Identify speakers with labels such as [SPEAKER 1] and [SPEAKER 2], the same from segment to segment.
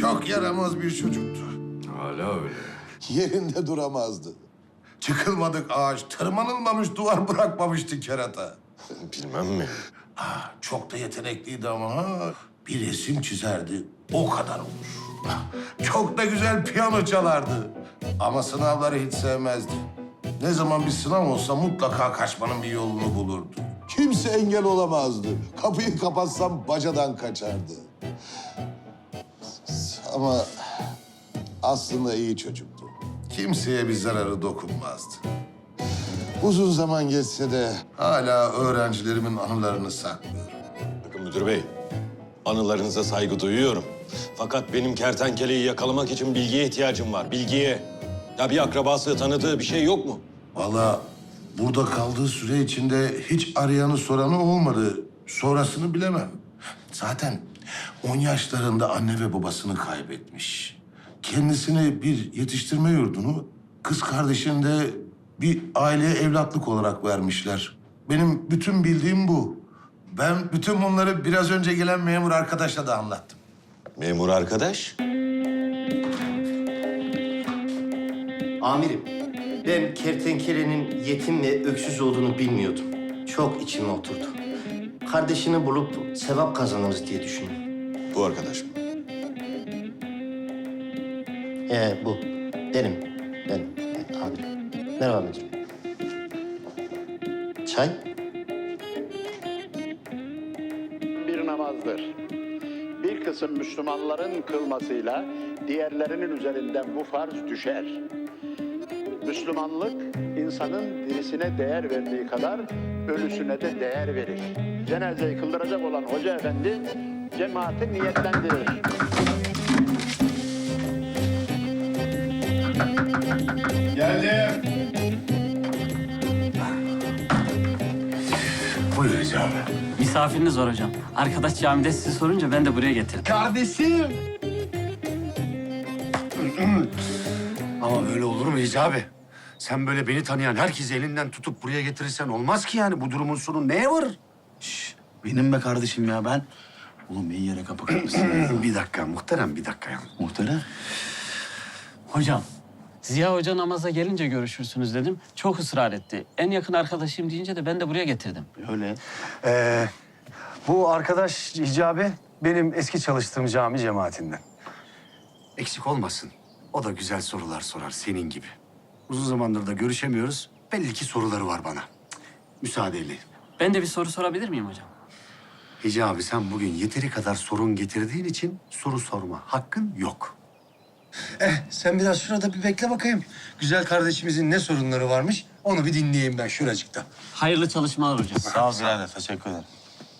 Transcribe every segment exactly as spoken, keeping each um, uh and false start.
[SPEAKER 1] Çok yaramaz bir çocuktu.
[SPEAKER 2] Hala öyle.
[SPEAKER 3] Yerinde duramazdı.
[SPEAKER 1] Çıkılmadık ağaç, tırmanılmamış duvar bırakmamıştı kerata.
[SPEAKER 2] Bilmem mi?
[SPEAKER 1] Ha, çok da yetenekliydi ama ha. Bir resim çizerdi, o kadar olur. Çok da güzel piyano çalardı. Ama sınavları hiç sevmezdi. Ne zaman bir sınav olsa mutlaka kaçmanın bir yolunu bulurdu.
[SPEAKER 3] Kimse engel olamazdı. Kapıyı kapatsam bacadan kaçardı. Ama aslında iyi çocuktu.
[SPEAKER 1] Kimseye bir zararı dokunmazdı.
[SPEAKER 3] Uzun zaman geçse de
[SPEAKER 1] Hala öğrencilerimin anılarını saklıyorum.
[SPEAKER 2] Bakın müdür bey, anılarınıza saygı duyuyorum. Fakat benim kertenkeleyi yakalamak için bilgiye ihtiyacım var, bilgiye. Ya bir akrabası, tanıdığı bir şey yok mu?
[SPEAKER 1] Vallahi burada kaldığı süre içinde hiç arayanı soranı olmadı. Sonrasını bilemem. Zaten on yaşlarında anne ve babasını kaybetmiş. Kendisine bir yetiştirme yurdunu, kız kardeşini de bir aileye evlatlık olarak vermişler. Benim bütün bildiğim bu. Ben bütün bunları biraz önce gelen memur arkadaşla da anlattım.
[SPEAKER 2] Memur arkadaş.
[SPEAKER 4] Amirim, ben kertenkelenin yetim ve öksüz olduğunu bilmiyordum. Çok içime oturdu. Kardeşini bulup sevap kazanırız diye düşündüm.
[SPEAKER 2] Bu arkadaş mı?
[SPEAKER 4] Ee, bu. Benim. Benim. Evet, amirim. Merhaba müdürüm. Çay?
[SPEAKER 5] Bir namazdır. Bir kısım Müslümanların kılmasıyla diğerlerinin üzerinden bu farz düşer. Müslümanlık, insanın dirisine değer verdiği kadar ölüsüne de değer verir. Cenazeyi kıldıracak olan hoca efendi, cemaati niyetlendirir.
[SPEAKER 1] Geldim. Buyur Hicabi.
[SPEAKER 6] Misafiriniz var hocam. Arkadaş camide sizi sorunca ben de buraya getirdim.
[SPEAKER 7] Kardeşim. Ama öyle olur mu Hicabi? Sen böyle beni tanıyan herkesi elinden tutup buraya getirirsen olmaz ki yani. Bu durumun sonu neye varır?
[SPEAKER 8] Şş, benim be kardeşim ya ben. Oğlum iyi yere kapı kırmışsın.
[SPEAKER 7] Bir dakika muhterem, bir dakika ya.
[SPEAKER 8] Muhterem.
[SPEAKER 6] Hocam, Ziya Hoca namaza gelince görüşürsünüz dedim. Çok ısrar etti. En yakın arkadaşım deyince de ben de buraya getirdim.
[SPEAKER 8] Öyle.
[SPEAKER 7] Ee, bu arkadaş Hicabi benim eski çalıştığım cami cemaatinden. Eksik olmasın. O da güzel sorular sorar senin gibi. Uzun zamandır da görüşemiyoruz. Belli ki soruları var bana. Cık, müsaadeyle.
[SPEAKER 6] Ben de bir soru sorabilir miyim hocam?
[SPEAKER 7] Hicabi sen bugün yeteri kadar sorun getirdiğin için soru sorma hakkın yok. Eh sen biraz şurada bir bekle bakayım. Güzel kardeşimizin ne sorunları varmış onu bir dinleyeyim ben şuracıkta.
[SPEAKER 6] Hayırlı çalışmalar hocam.
[SPEAKER 8] Sağ ol birader, teşekkür ederim.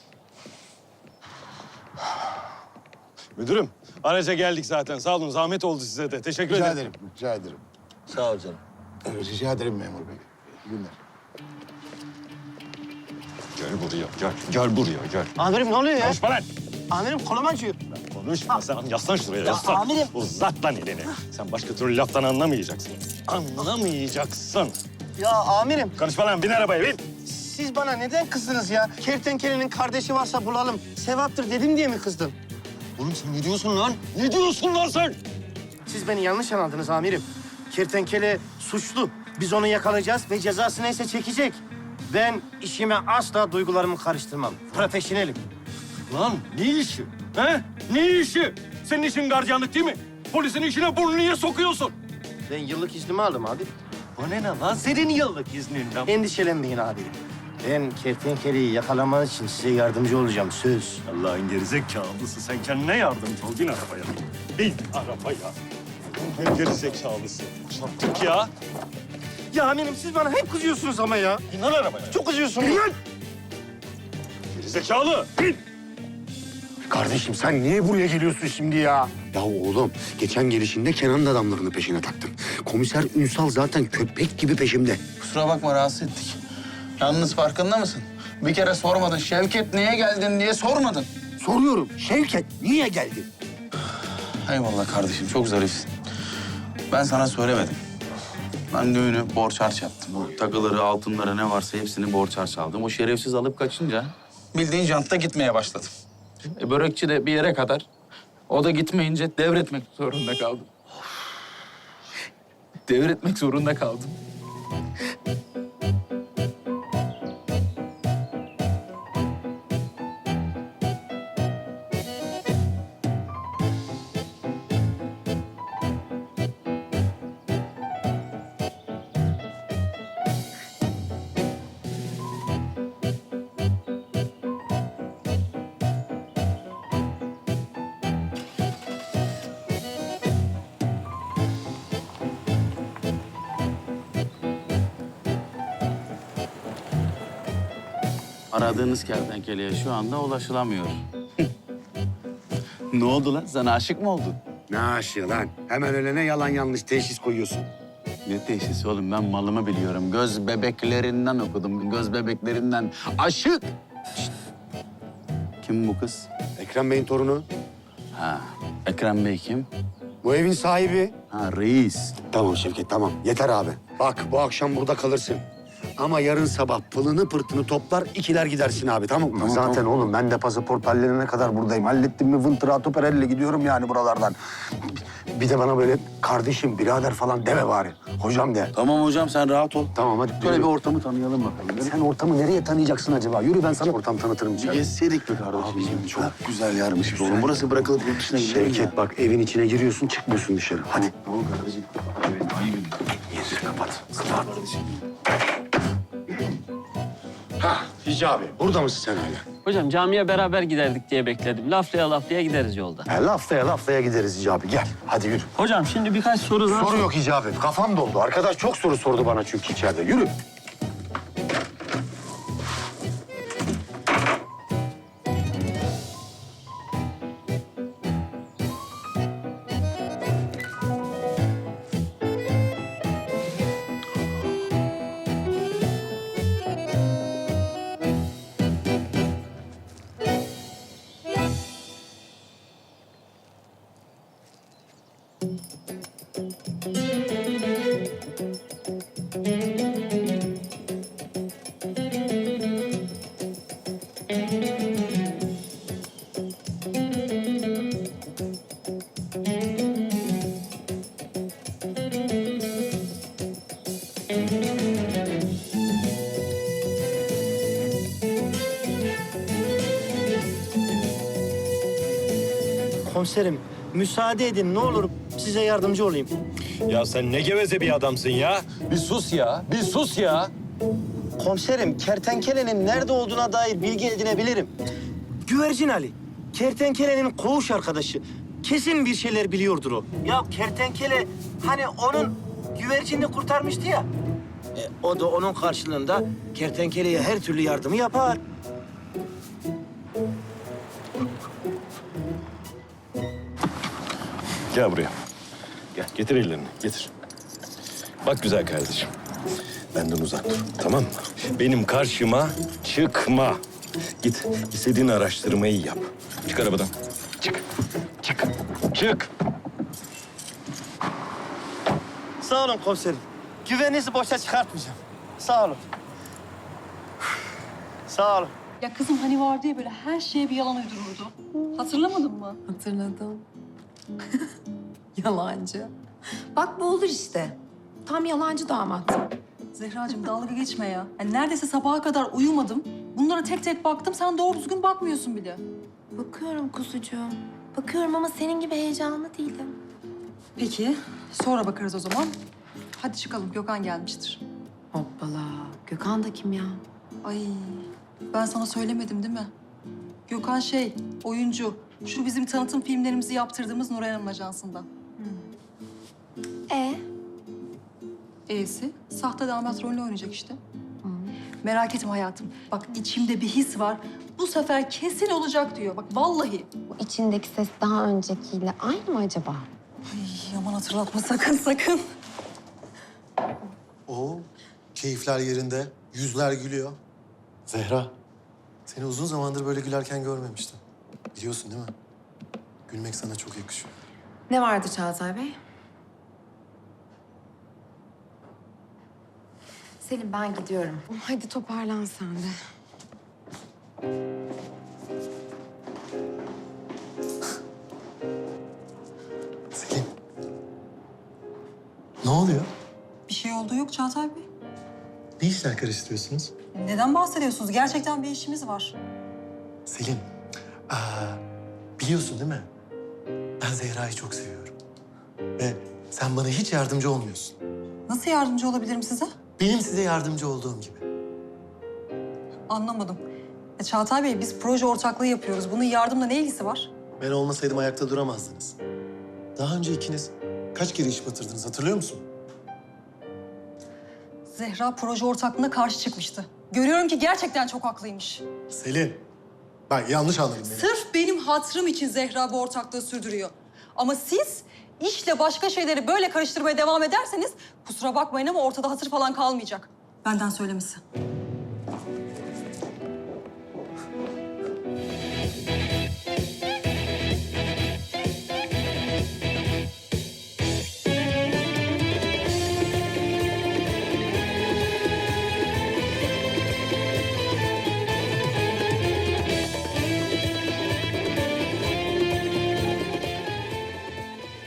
[SPEAKER 2] Müdürüm, araca geldik zaten. Sağ olun, zahmet oldu size de. Teşekkür
[SPEAKER 3] rica
[SPEAKER 2] ederim.
[SPEAKER 3] ederim, rica ederim.
[SPEAKER 8] Sağ ol canım.
[SPEAKER 3] Evet, rica ederim memur bey. İyi günler.
[SPEAKER 2] Gel buraya, gel. Gel buraya, gel.
[SPEAKER 9] Amirim ne oluyor ya?
[SPEAKER 2] Konuşma lan!
[SPEAKER 9] Amirim kolum acıyor.
[SPEAKER 2] Konuşma sen. Yaslan şuraya, yaslan.
[SPEAKER 9] amirim.
[SPEAKER 2] Uzat lan elini. Sen başka türlü laftan anlamayacaksın. Anlamayacaksın.
[SPEAKER 9] Ya amirim
[SPEAKER 2] Konuşma lan, bin arabaya, bin.
[SPEAKER 9] siz bana neden kızdınız ya? Kertenkelenin kardeşi varsa bulalım. Sevaptır dedim diye mi kızdın?
[SPEAKER 2] Oğlum sen ne diyorsun lan? Ne diyorsun lan sen?
[SPEAKER 9] Siz beni yanlış anladınız amirim. Kertenkele suçlu. Biz onu yakalayacağız ve cezası neyse çekecek. Ben işime asla duygularımı karıştırmam. Profesyonelim.
[SPEAKER 2] Lan ne işi? He? Ne işi? Senin işin gardiyanlık değil mi? Polisin işine burnunu niye sokuyorsun?
[SPEAKER 9] Ben yıllık iznimi aldım abi.
[SPEAKER 2] O ne lan? Senin yıllık izninden.
[SPEAKER 9] Endişelenmeyin abi. Ben kertenkeleyi yakalamanız için size yardımcı olacağım söz.
[SPEAKER 2] Allah'ın gerizekalısı. Sen kendine yardımcı ol. Bin arabaya. Bin arabaya. Allah'ın gerizekalısı. Çattık ya.
[SPEAKER 9] Ya amirim siz bana hep kızıyorsunuz ama ya.
[SPEAKER 2] Bin lan arabaya.
[SPEAKER 9] Çok kızıyorsunuz.
[SPEAKER 2] Gerizekalı. Bin.
[SPEAKER 7] Kardeşim sen niye buraya geliyorsun şimdi ya? Ya oğlum geçen gelişinde Kenan'ın adamlarını peşine taktın. Komiser Ünsal zaten köpek gibi peşimde.
[SPEAKER 8] Kusura bakma rahatsız ettik. Yalnız farkında mısın? Bir kere sormadın. Şevket niye geldin diye sormadın.
[SPEAKER 7] Soruyorum Şevket niye geldi?
[SPEAKER 8] Eyvallah kardeşim çok zarifsin. Ben sana söylemedim. Ben düğünü borç harç yaptım. O takıları, altınları ne varsa hepsini borç harç aldım. O şerefsiz alıp kaçınca bildiğin jantta gitmeye başladım. E, börekçi de bir yere kadar. O da gitmeyince devretmek zorunda kaldım. Devretmek zorunda kaldım. Aradığınız kertenkeleye şu anda ulaşılamıyor. Ne oldu lan? Sana aşık mı oldun?
[SPEAKER 7] Ne aşığı lan? Hemen ölene yalan yanlış teşhis koyuyorsun.
[SPEAKER 8] Ne teşhisi oğlum? Ben malımı biliyorum. Göz bebeklerinden okudum. Göz bebeklerinden. Aşık! Şişt. Kim bu kız?
[SPEAKER 7] Ekrem Bey'in torunu.
[SPEAKER 8] Ha, Ekrem Bey kim?
[SPEAKER 7] Bu evin sahibi.
[SPEAKER 8] Ha, reis.
[SPEAKER 7] Tamam Şevket, tamam. Yeter abi. Bak, bu akşam burada kalırsın. Ama yarın sabah pılını pırtını toplar, ikiler gidersin abi, tamam mı?
[SPEAKER 8] Tamam,
[SPEAKER 7] Zaten
[SPEAKER 8] tamam.
[SPEAKER 7] oğlum ben de pasaport hallerine kadar buradayım. Hallettim mi vıntıra perelle gidiyorum yani buralardan. Bir de bana böyle kardeşim, birader falan deme bari. Hocam de.
[SPEAKER 8] Tamam hocam, sen rahat ol.
[SPEAKER 7] Tamam hadi.
[SPEAKER 8] Böyle
[SPEAKER 7] yürü.
[SPEAKER 8] bir ortamı tanıyalım bakalım.
[SPEAKER 7] Sen ortamı nereye tanıyacaksın acaba? Yürü ben sana ortam tanıtırım
[SPEAKER 8] Bir
[SPEAKER 7] içeride.
[SPEAKER 8] gezseydik be kardeşim. Çok güzel yermiş oğlum. Burası bırakılıp yurt dışına gidelim ya.
[SPEAKER 7] Şevket bak evin içine giriyorsun çıkmıyorsun dışarı. Hadi.
[SPEAKER 8] Ne oldu kardeşim? Evet, ayıp.
[SPEAKER 7] Gir kapat. Kapat. Ha Hicabi burada mısın sen hala?
[SPEAKER 6] Hocam camiye beraber giderdik diye bekledim. Laflaya laflaya gideriz yolda.
[SPEAKER 7] He, laftaya laftaya gideriz Hicabi gel. Hadi yürü.
[SPEAKER 6] Hocam şimdi birkaç soru daha...
[SPEAKER 7] Soru yok Hicabi. Kafam doldu. Arkadaş çok soru sordu bana çünkü içeride. Yürü.
[SPEAKER 9] Komiserim, müsaade edin ne olur size yardımcı olayım.
[SPEAKER 2] Ya sen ne geveze bir adamsın ya. Bir sus ya, bir sus ya.
[SPEAKER 9] Komiserim, kertenkelenin nerede olduğuna dair bilgi edinebilirim. Güvercin Ali, kertenkelenin koğuş arkadaşı. Kesin bir şeyler biliyordur o. Ya kertenkele hani onun güvercinini kurtarmıştı ya. E, o da onun karşılığında kertenkeleye her türlü yardımı yapar.
[SPEAKER 2] Gel buraya. Gel, getir ellerini, getir. Bak güzel kardeşim, benden uzak dur, tamam mı? Benim karşıma çıkma. Git, istediğin araştırmayı yap. Çık arabadan. Çık, çık, çık.
[SPEAKER 9] Sağ olun komiserim. Güveninizi boşa çıkartmayacağım. Sağ olun. Sağ olun.
[SPEAKER 10] Ya kızım hani vardı ya böyle her şeye bir yalan uydururdu. Hatırlamadın mı?
[SPEAKER 11] Hatırladım. Yalancı. Bak bu olur işte. Tam yalancı damat.
[SPEAKER 10] Zehracığım dalga geçme ya. Yani neredeyse sabaha kadar uyumadım. Bunlara tek tek baktım. Sen doğru düzgün bakmıyorsun bile.
[SPEAKER 11] Bakıyorum kuzucuğum. Bakıyorum ama senin gibi heyecanlı değilim.
[SPEAKER 10] Peki sonra bakarız o zaman. Hadi çıkalım Gökhan gelmiştir.
[SPEAKER 11] Hoppala. Gökhan da kim ya?
[SPEAKER 10] Ay ben sana söylemedim değil mi? Gökhan şey oyuncu. Şu bizim tanıtım filmlerimizi yaptırdığımız Nuray Hanım ajansında.
[SPEAKER 11] E
[SPEAKER 10] E'si sahte damat rolünü oynayacak işte. Merak etme hayatım. Bak içimde bir his var. Bu sefer kesin olacak diyor. Bak vallahi.
[SPEAKER 11] bu içindeki ses daha öncekiyle aynı mı acaba?
[SPEAKER 10] Ay aman hatırlatma sakın sakın.
[SPEAKER 12] Oo, keyifler yerinde, yüzler gülüyor. Zehra, seni uzun zamandır böyle gülerken görmemiştim. Biliyorsun değil mi? Gülmek sana çok yakışıyor.
[SPEAKER 11] Ne vardı Çağatay Bey? Selim ben gidiyorum. Hadi toparlan sen de.
[SPEAKER 12] Ne oluyor?
[SPEAKER 10] Bir şey olduğu yok Çağatay Bey.
[SPEAKER 12] Ne işler karıştırıyorsunuz?
[SPEAKER 10] Neden bahsediyorsunuz? Gerçekten bir işimiz var.
[SPEAKER 12] Selin, aa, biliyorsun değil mi? Ben Zehra'yı çok seviyorum. Ve sen bana hiç yardımcı olmuyorsun.
[SPEAKER 10] Nasıl yardımcı olabilirim size?
[SPEAKER 12] Benim size yardımcı olduğum gibi.
[SPEAKER 10] Anlamadım. E, Çağatay Bey, biz proje ortaklığı yapıyoruz. Bunun yardımla ne ilgisi var?
[SPEAKER 12] Ben olmasaydım ayakta duramazdınız. Daha önce ikiniz kaç kere iş batırdınız hatırlıyor musun?
[SPEAKER 10] Zehra proje ortaklığına karşı çıkmıştı. Görüyorum ki gerçekten çok haklıymış.
[SPEAKER 12] Selin, bak yanlış anladın beni.
[SPEAKER 10] Sırf benim hatırım için Zehra bu ortaklığı sürdürüyor. Ama siz işle başka şeyleri böyle karıştırmaya devam ederseniz kusura bakmayın ama ortada hatır falan kalmayacak. Benden söylemesi.